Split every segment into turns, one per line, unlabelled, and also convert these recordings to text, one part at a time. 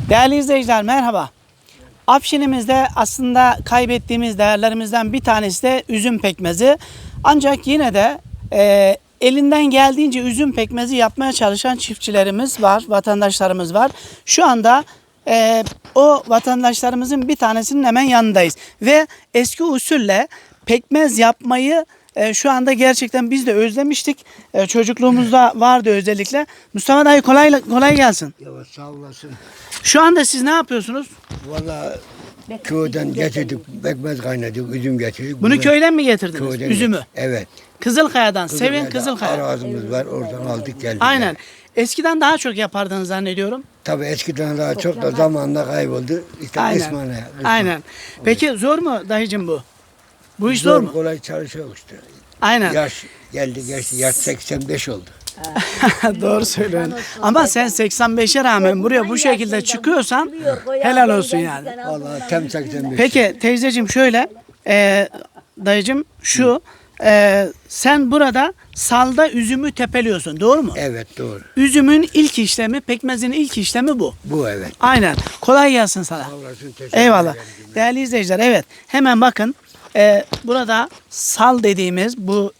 Değerli izleyiciler merhaba. Afşinimizde aslında kaybettiğimiz değerlerimizden bir tanesi de üzüm pekmezi. Ancak yine de elinden geldiğince üzüm pekmezi yapmaya çalışan çiftçilerimiz var, vatandaşlarımız var. Şu anda o vatandaşlarımızın bir tanesinin hemen yanındayız. Ve eski usulle pekmez yapmayı şu anda gerçekten biz de özlemiştik. Çocukluğumuzda vardı özellikle. Mustafa dayı kolay gelsin.
Yavaş sağ olasın.
Şu anda siz ne yapıyorsunuz?
Valla köyden getirdik, pekmez kaynadık, üzüm getirdik.
Bunu köyden mi getirdiniz?
Köyden
Üzümü.
Evet.
Kızılkaya'dan. Sevin Kızılkaya.
Arazimiz var, oradan aldık geldik.
Aynen. Eskiden daha çok yapardınız zannediyorum.
Tabii eskiden daha çok da zamanla kayboldu. İşte
Aynen. Aynen. Peki zor mu dayıcım bu? Bu iş zor mu?
Kolay çalışıyor işte.
Aynen.
Yaş geldi geçti, yaş 85 oldu.
Doğru söylüyorsun. Ama sen 85'e rağmen buraya bu şekilde çıkıyorsan helal olsun yani.
Vallahi tam 85.
Peki teyzeciğim şöyle, dayıcım şu, sen burada salda üzümü tepeliyorsun, doğru mu?
Evet doğru.
Üzümün ilk işlemi, pekmezin ilk işlemi bu.
Bu evet.
Aynen. Kolay gelsin sana.
Sağ olasın, teşekkür
Eyvallah.
ederim.
Değerli izleyiciler, evet. Hemen bakın. Burada sal dediğimiz bu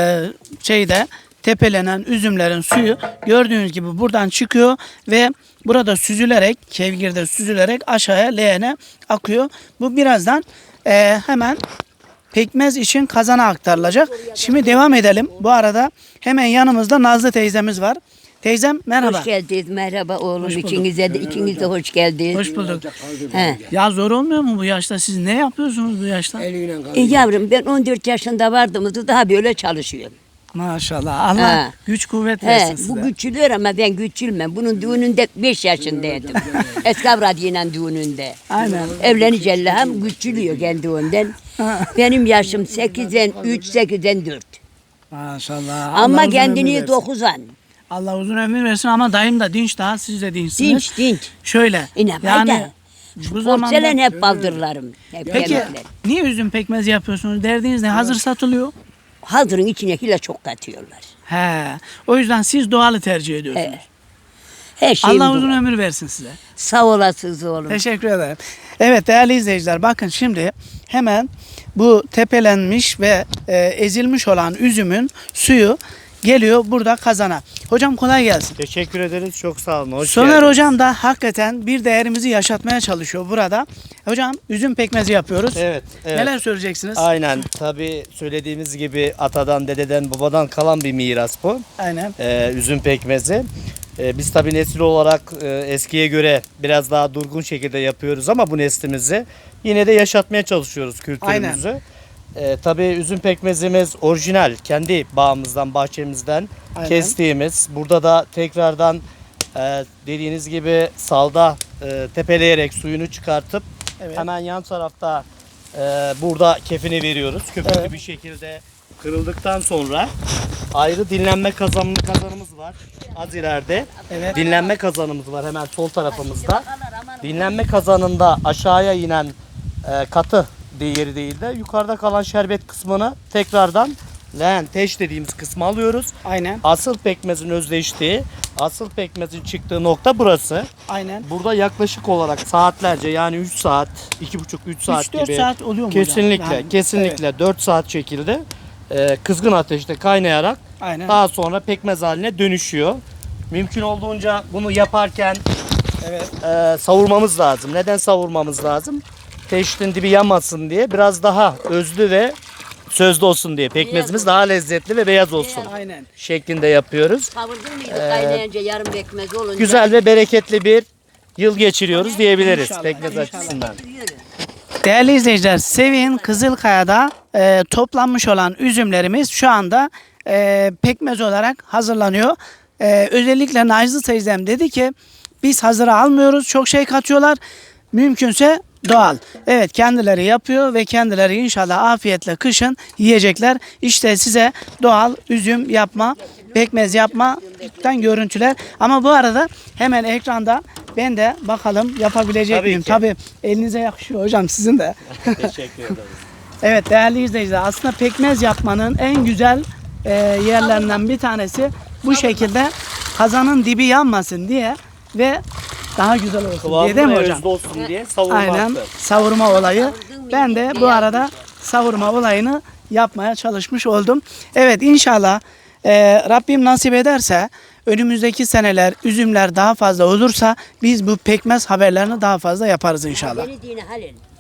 şeyde tepelenen üzümlerin suyu gördüğünüz gibi buradan çıkıyor ve burada süzülerek, kevgirde süzülerek aşağıya leğene akıyor. Bu birazdan hemen pekmez için kazana aktarılacak. Şimdi devam edelim. Bu arada hemen yanımızda Nazlı teyzemiz var. Teyzem merhaba.
Hoş geldiniz. Merhaba oğlum.
Hoş bulduk.
İkiniz de hoş geldiniz.
Hoş bulduk.
He.
Ya zor olmuyor mu bu yaşta? Siz ne yapıyorsunuz bu yaşta?
Eliyle kaldı.
Yavrum ben 14 yaşında vardığımda daha böyle çalışıyorum.
Maşallah. Allah
Ha.
güç kuvvet versin
He,
size.
bu güçlüyor ama ben güçülmem. Bunun düğününde 5 yaşındaydım. Eskavradiyla düğününde.
Aynen.
Evlenince hem güçülüyor kendiliğinden. Benim yaşım 8'den 3, 8'den 4.
Maşallah. Allah
Ama
uzun
kendini
ömür versin.
9'an.
Allah uzun ömür versin ama dayım da dinç daha, siz de dinçsiniz.
Dinç dinç.
Şöyle.
İne
Yani bu zamanda...
Porselen hep baldırlarım. Hep
Peki
yemekler.
niye üzüm pekmezi yapıyorsunuz? Derdiniz ne? Hazır satılıyor.
Hazırın içine hile çok katıyorlar.
He. O yüzden siz doğalı tercih ediyorsunuz.
He. Her şeyim
Allah
bu.
uzun ömür versin size.
Sağ olasınız oğlum.
Teşekkür ederim. Evet değerli izleyiciler, bakın şimdi hemen bu tepelenmiş ve ezilmiş olan üzümün suyu geliyor burada kazana. Hocam kolay gelsin.
Teşekkür ederiz. Çok sağ olun. Hoş
Soner
geldiniz.
hocam da hakikaten bir değerimizi yaşatmaya çalışıyor burada. Hocam üzüm pekmezi yapıyoruz.
Evet, evet.
Neler söyleyeceksiniz?
Aynen. Tabii söylediğimiz gibi atadan, dededen, babadan kalan bir miras bu.
Aynen.
Üzüm pekmezi. Biz tabii nesil olarak eskiye göre biraz daha durgun şekilde yapıyoruz ama bu neslimizi yine de yaşatmaya çalışıyoruz kültürümüzü. Tabii üzüm pekmezimiz orijinal, kendi bağımızdan, bahçemizden
Aynen.
kestiğimiz. Burada da tekrardan dediğiniz gibi salda tepeleyerek suyunu çıkartıp
Evet.
hemen yan tarafta burada kefini veriyoruz. Köpüklü
Evet.
bir şekilde kırıldıktan sonra ayrı dinlenme kazanımız var. Az ileride
Evet.
dinlenme kazanımız var hemen sol tarafımızda. Dinlenme kazanında aşağıya inen katı yeri değil de yukarıda kalan şerbet kısmını tekrardan leğen teş dediğimiz kısmı alıyoruz.
Aynen.
Asıl pekmezin özleştiği, asıl pekmezin çıktığı nokta burası.
Aynen.
Burada yaklaşık olarak saatlerce, yani 3 saat, 2,5-3 saat
3-4
gibi.
saat oluyor mu hocam?
Kesinlikle,
Yani,
kesinlikle 4 saat şekilde kızgın ateşte kaynayarak
Aynen.
daha sonra pekmez haline dönüşüyor. Mümkün olduğunca bunu yaparken
Evet.
savurmamız lazım. Neden savurmamız lazım? Teştin dibi yanmasın diye, biraz daha özlü ve sözlü olsun diye. Pekmezimiz daha lezzetli ve beyaz olsun
Aynen.
şeklinde yapıyoruz.
Kavurdun muydu kaynayınca yarım pekmez olunca.
Güzel ve bereketli bir yıl geçiriyoruz diyebiliriz
İnşallah,
pekmez
inşallah.
açısından.
Değerli izleyiciler, Sevin Kızılkaya'da toplanmış olan üzümlerimiz şu anda pekmez olarak hazırlanıyor. Özellikle Nazlı teyzem dedi ki biz hazıra almıyoruz, çok şey katıyorlar. Mümkünse doğal. Evet, kendileri yapıyor ve kendileri inşallah afiyetle kışın yiyecekler. İşte size doğal üzüm yapma, pekmez yapmadan görüntüler. Ama bu arada hemen ekranda ben de bakalım yapabilecek
Tabii
miyim?
ki.
Tabii elinize yakışıyor hocam, sizin de.
Teşekkür ederiz.
Evet değerli izleyiciler, aslında pekmez yapmanın en güzel yerlerinden bir tanesi bu şekilde kazanın dibi yanmasın diye ve daha güzel olsun diye
Kıvamlı
değil mi
ve
hocam?
özlü olsun diye savurmaktır.
Aynen savurma olayı. Ben de bu arada savurma olayını yapmaya çalışmış oldum. Evet inşallah Rabbim nasip ederse önümüzdeki seneler üzümler daha fazla olursa biz bu pekmez haberlerini daha fazla yaparız inşallah.
Beni dini halil.